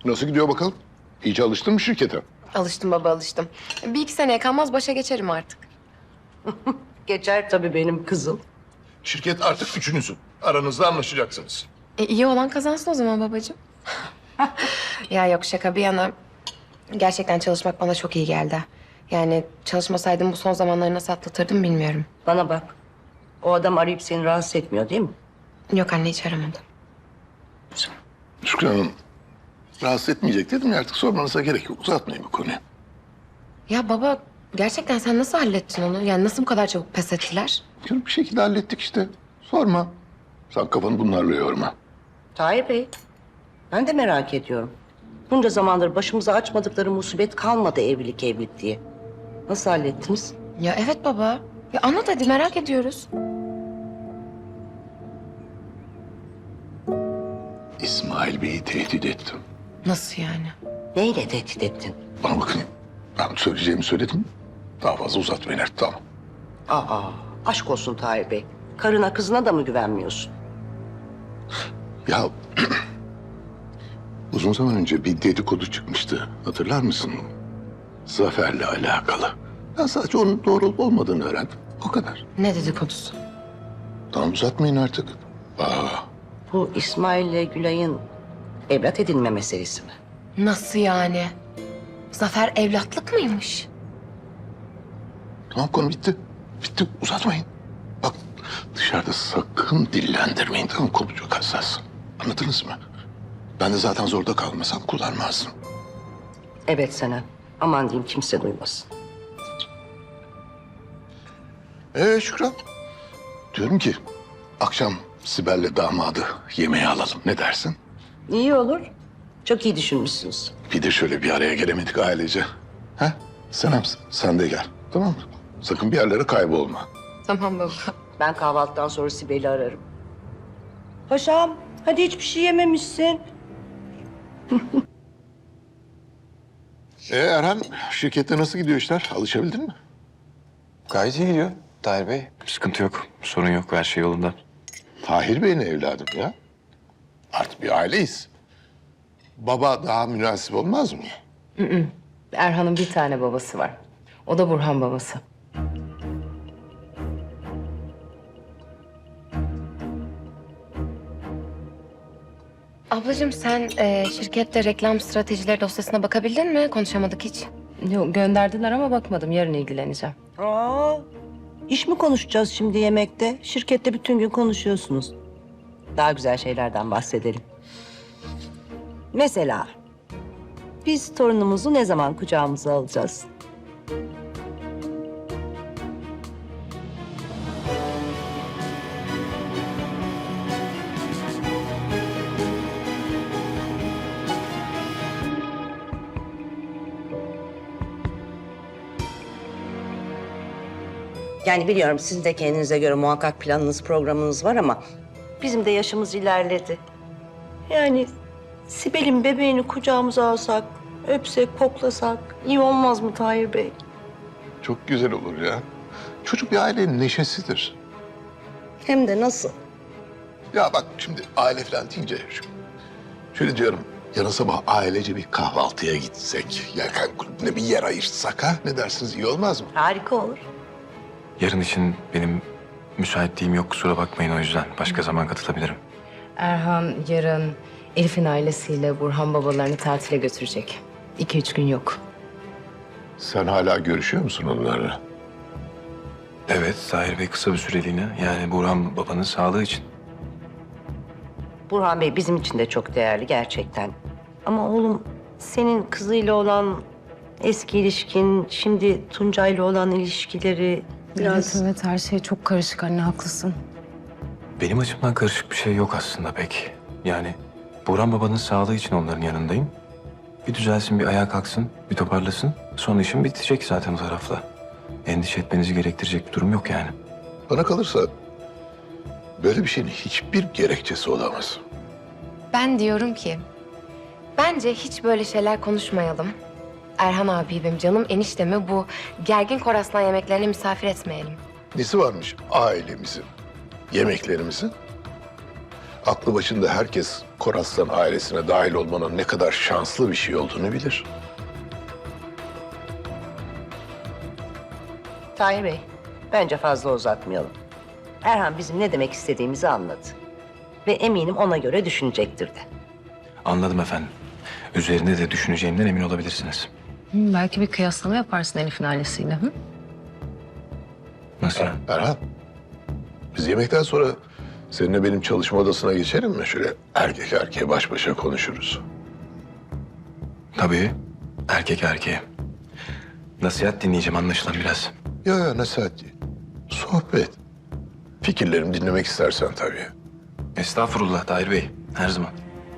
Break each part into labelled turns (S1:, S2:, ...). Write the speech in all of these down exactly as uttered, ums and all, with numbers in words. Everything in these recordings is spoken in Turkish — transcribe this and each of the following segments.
S1: Nasıl gidiyor bakalım? İyice alıştın mı şirkete?
S2: Alıştım baba, alıştım. Bir iki seneye kalmaz başa geçerim artık.
S3: Geçer tabii benim kızım.
S1: Şirket artık üçünüzün. Aranızda anlaşacaksınız.
S2: E, iyi olan kazansın o zaman babacığım. Ya yok, şaka bir yana. Gerçekten çalışmak bana çok iyi geldi. Yani çalışmasaydım bu son zamanları nasıl atlatırdım bilmiyorum.
S3: Bana bak. O adam arayıp seni rahatsız etmiyor değil mi?
S2: Yok anne, hiç aramadım.
S1: Şükran Hanım, rahatsız etmeyecek dedim ya, artık sormanıza gerek yok. Uzatmayın bu konuyu.
S2: Ya baba, gerçekten sen nasıl hallettin onu? Yani nasıl bu kadar çabuk pes ettiler?
S1: Bir şekilde hallettik işte. Sorma. Sen kafanı bunlarla yorma.
S3: Tahir Bey, ben de merak ediyorum. Bunca zamandır başımıza açmadıkları musibet kalmadı evlilik evlilik diye. Nasıl hallettiniz?
S2: Ya evet baba. Ya anlat hadi, merak ediyoruz.
S1: İsmail Bey'i tehdit ettim.
S2: Nasıl yani?
S3: Neyle tehdit ettin?
S1: Bana bakın, ben söyleyeceğimi söyledim. Daha fazla uzatmayın artık, tamam.
S3: Aa, aşk olsun Tahir Bey. Karına kızına da mı güvenmiyorsun?
S1: Ya uzun zaman önce bir dedikodu çıkmıştı. Hatırlar mısın? Zafer'le alakalı. Ben sadece onun doğru olup olmadığını öğrendim. O kadar.
S2: Ne dedikodusu?
S1: Tamam, uzatmayın artık. Aa,
S3: Bu İsmail ile Gülay'ın evlat edinme meselesi mi?
S2: Nasıl yani? Zafer evlatlık mıymış?
S1: tamam, konu bitti. Bitti, uzatmayın. Bak, dışarıda sakın dillendirmeyin, tamam mı? Konu çok hassas. Anladınız mı? Ben de zaten zorda kalmasam kullanmazdım.
S3: Evet Senem. Aman diyeyim kimse duymasın.
S1: Ee Şükran, diyorum ki akşam Sibel'le damadı yemeğe alalım. Ne dersin?
S3: İyi olur. Çok iyi düşünmüşsünüz.
S1: Bir de şöyle bir araya gelemedik ailece. Ha? Senem, sen de gel. Tamam mı? Sakın bir yerlere kaybolma.
S2: Tamam baba.
S3: Ben kahvaltıdan sonra Sibel'i ararım. Paşam, hadi hiçbir şey yememişsin.
S1: Ee Erhan, şirkette nasıl gidiyor işler? Alışabildin mi?
S4: Gayet iyi gidiyor Tahir Bey. Sıkıntı yok, sorun yok. Her şey yolunda.
S1: Tahir Bey'in evladım ya. Artık bir aileyiz. Baba daha münasip olmaz mı?
S2: Erhan'ın bir tane babası var. O da Burhan babası. Ablacığım sen e, şirkette reklam stratejileri dosyasına bakabildin mi? Konuşamadık hiç.
S5: Yok, gönderdiler ama bakmadım. Yarın ilgileneceğim.
S3: Aa, iş mi konuşacağız şimdi yemekte? Şirkette bütün gün konuşuyorsunuz. Daha güzel şeylerden bahsedelim. Mesela biz torunumuzu ne zaman kucağımıza alacağız? Yani biliyorum sizin de kendinize göre muhakkak planınız, programınız var ama bizim de yaşımız ilerledi. Yani Sibel'in bebeğini kucağımıza alsak, öpsek, koklasak iyi olmaz mı Tahir Bey?
S1: Çok güzel olur ya. Çocuk bir ailenin neşesidir.
S3: Hem de nasıl?
S1: Ya bak şimdi aile falan deyince şu- şöyle diyorum. Yarın sabah ailece bir kahvaltıya gitsek. Ya kulübüne bir yer ayırsak ha? Ne dersiniz, iyi olmaz mı?
S3: Harika olur.
S4: Yarın için benim müsaitliğim yok, kusura bakmayın o yüzden. Başka zaman katılabilirim.
S5: Erhan yarın Elif'in ailesiyle Burhan babalarını tatile götürecek. İki üç gün yok.
S1: Sen hala görüşüyor musun onlarla?
S4: Evet, Tahir Bey kısa bir süreliğine. Yani Burhan babanın sağlığı için.
S3: Burhan Bey bizim için de çok değerli gerçekten. Ama oğlum senin kızıyla olan eski ilişkin, şimdi Tuncay'la olan ilişkileri biraz...
S5: Evet, evet, her şey çok karışık anne, haklısın.
S4: Benim açımdan karışık bir şey yok aslında pek. Yani Burhan babanın sağlığı için onların yanındayım. Bir düzelsin, bir ayağa kalksın, bir toparlasın. Sonra işim bitecek zaten o tarafla. Endişe etmenizi gerektirecek bir durum yok yani.
S1: Bana kalırsa böyle bir şeyin hiçbir gerekçesi olamaz.
S2: Ben diyorum ki bence hiç böyle şeyler konuşmayalım. Erhan abi benim canım eniştemi bu gergin Koraslan yemeklerine misafir etmeyelim.
S1: Nesi varmış ailemizin, yemeklerimizin? aklı başında herkes Koraslan ailesine dahil olmanın ne kadar şanslı bir şey olduğunu bilir.
S3: Tahir Bey, bence fazla uzatmayalım. Erhan bizim ne demek istediğimizi anladı. Ve eminim ona göre düşünecektir de.
S4: Anladım efendim. Üzerinde de düşüneceğimden emin olabilirsiniz.
S5: Hı, belki bir kıyaslama yaparsın Elif'in ailesiyle. Hı?
S4: Nasıl yani?
S1: Erhan, biz yemekten sonra seninle benim çalışma odasına geçelim mi? Şöyle erkek erkeğe baş başa konuşuruz.
S4: Tabii. Erkek erkeğe. Nasihat dinleyeceğim anlaşılan biraz.
S1: Ya ya nasihat değil. Sohbet. Fikirlerimi dinlemek istersen tabii.
S4: Estağfurullah Tahir Bey. Her zaman.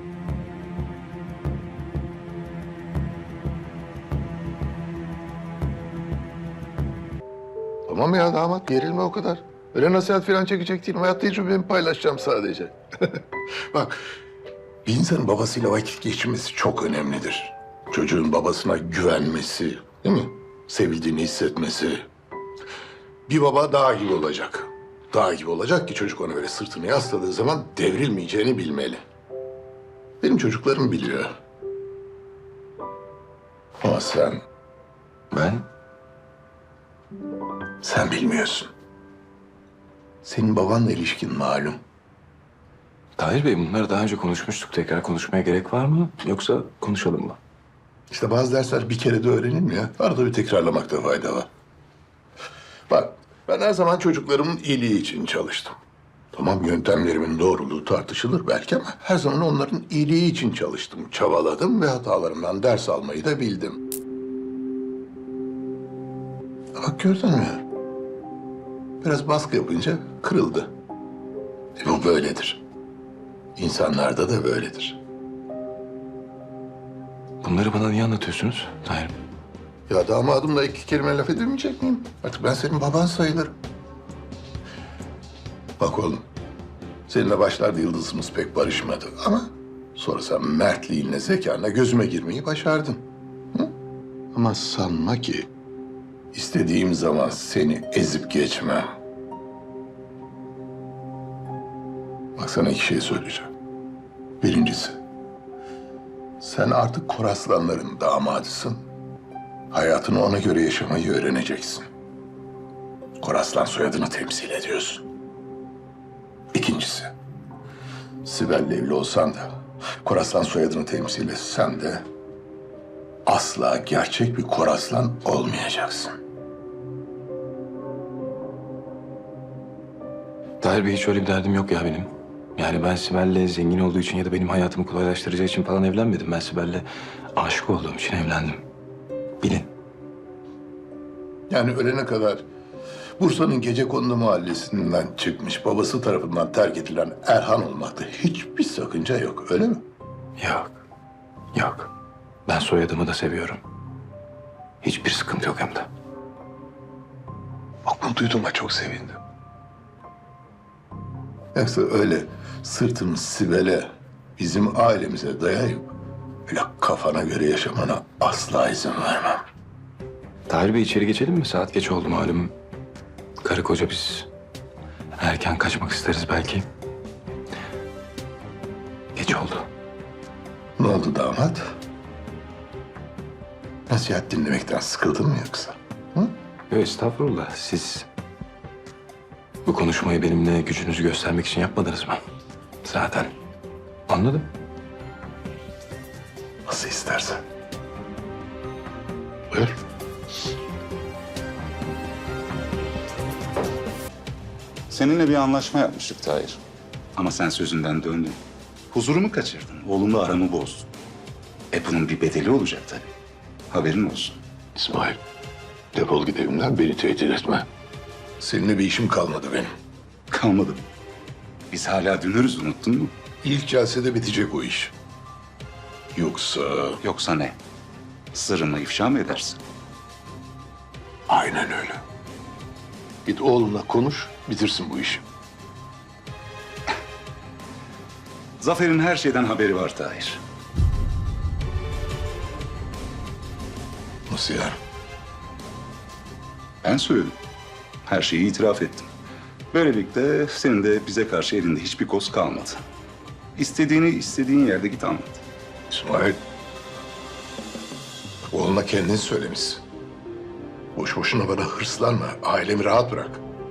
S1: Tamam ya damat, gerilme o kadar. Öyle nasihat falan çekecek değilim. Hayat tecrübemi paylaşacağım sadece. Bak, bir insanın babasıyla vakit geçirmesi çok önemlidir. Çocuğun babasına güvenmesi, değil mi? Sevildiğini hissetmesi. Bir baba dağ gibi olacak. Dağ gibi olacak ki çocuk ona böyle sırtını yasladığı zaman devrilmeyeceğini bilmeli. Benim çocuklarım biliyor. Ama sen,
S4: Ben?
S1: sen bilmiyorsun. Senin babanla ilişkin malum.
S4: Tahir Bey bunları daha önce konuşmuştuk. Tekrar konuşmaya gerek var mı? Yoksa konuşalım mı?
S1: İşte bazı dersler bir kere de öğrenilmiyor. Arada bir tekrarlamakta fayda var. Bak, ben her zaman çocuklarımın iyiliği için çalıştım. Tamam, yöntemlerimin doğruluğu tartışılır belki ama her zaman onların iyiliği için çalıştım. Çabaladım ve hatalarımdan ders almayı da bildim. Bak gördün mü? Biraz baskı yapınca kırıldı. E, bu böyledir. İnsanlarda da böyledir.
S4: Bunları bana niye anlatıyorsunuz Tahir Bey?
S1: Ya damadımla iki kelime laf edemeyecek miyim? Artık ben senin baban sayılırım. Bak oğlum, seninle başlarda yıldızımız pek barışmadı ama sonra sen mertliğinle, zekanla gözüme girmeyi başardın. Hı? Ama sanma ki istediğim zaman seni ezip geçmem. Bak sana iki şey söyleyeceğim. Birincisi, sen artık Koraslanların damadısın. Hayatını ona göre yaşamayı öğreneceksin. Koraslan soyadını temsil ediyorsun. İkincisi, Sibel'le evli olsan da, Koraslan soyadını temsil etsen de asla gerçek bir Koraslan olmayacaksın.
S4: Tahir Bey hiç öyle bir derdim yok ya benim. Yani ben Sibel'le zengin olduğu için ya da benim hayatımı kolaylaştıracağı için falan evlenmedim. Ben Sibel'le aşık olduğum için evlendim. Bilin.
S1: Yani ölene kadar Bursa'nın Gecekondu mahallesinden çıkmış, babası tarafından terk edilen Erhan olmakta hiçbir sakınca yok, öyle mi?
S4: Yok. Yok. Ben soyadımı da seviyorum. Hiçbir sıkıntı yok hem de.
S1: Bak bunu duyduğuma çok sevindim. Yoksa öyle sırtını Sibel'e, bizim ailemize dayayıp öyle kafana göre yaşamana asla izin vermem.
S4: Tahir Bey içeri geçelim mi? Saat geç oldu malum. Karı koca biz erken kaçmak isteriz belki. Geç oldu.
S1: Ne oldu damat? Nasihat dinlemekten sıkıldın mı yoksa? Hı?
S4: Yok estağfurullah. Siz bu konuşmayı benimle gücünüzü göstermek için yapmadınız mı? Zaten anladım.
S1: Nasıl istersen. Buyur.
S6: Seninle bir anlaşma yapmıştık Tahir. Ama sen sözünden döndün. Huzurumu kaçırdın. Oğlumla aramı bozdun. E bunun bir bedeli olacak tabii. Haberin olsun.
S1: İsmail, defol git evimden, beni tehdit etme. Seninle bir işim kalmadı benim.
S6: Kalmadı. Biz hala dünürüz, unuttun mu?
S1: İlk celsede bitecek o iş. Yoksa
S6: Yoksa ne? Sırrımı ifşa mı edersin?
S1: aynen öyle. Git oğlunla konuş, bitirsin bu işi.
S6: Zafer'in her şeyden haberi var Tahir.
S1: Nasıl yani?
S6: Ben söyledim. Her şeyi itiraf ettim. Böylelikle senin de bize karşı elinde hiçbir koz kalmadı. İstediğini istediğin yerde git anlat.
S1: İsmail. Oğluna kendin söylemişsin. Boş boşuna bana hırslanma. Ailemi rahat bırak.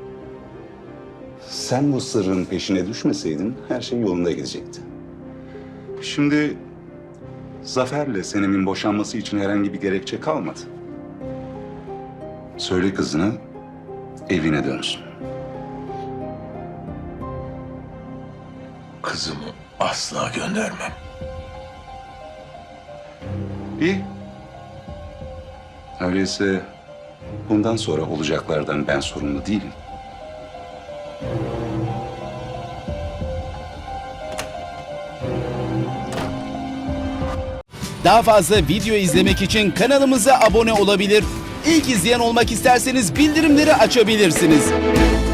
S6: Sen bu sırrın peşine düşmeseydin her şey yolunda gidecekti. Şimdi Zafer'le Senem'in boşanması için herhangi bir gerekçe kalmadı. Söyle kızına evine dönsün.
S1: Kızımı asla göndermem.
S6: İyi. Öyleyse bundan sonra olacaklardan ben sorumlu değilim.
S7: Daha fazla video izlemek için kanalımıza abone olabilir. İlk izleyen olmak isterseniz bildirimleri açabilirsiniz.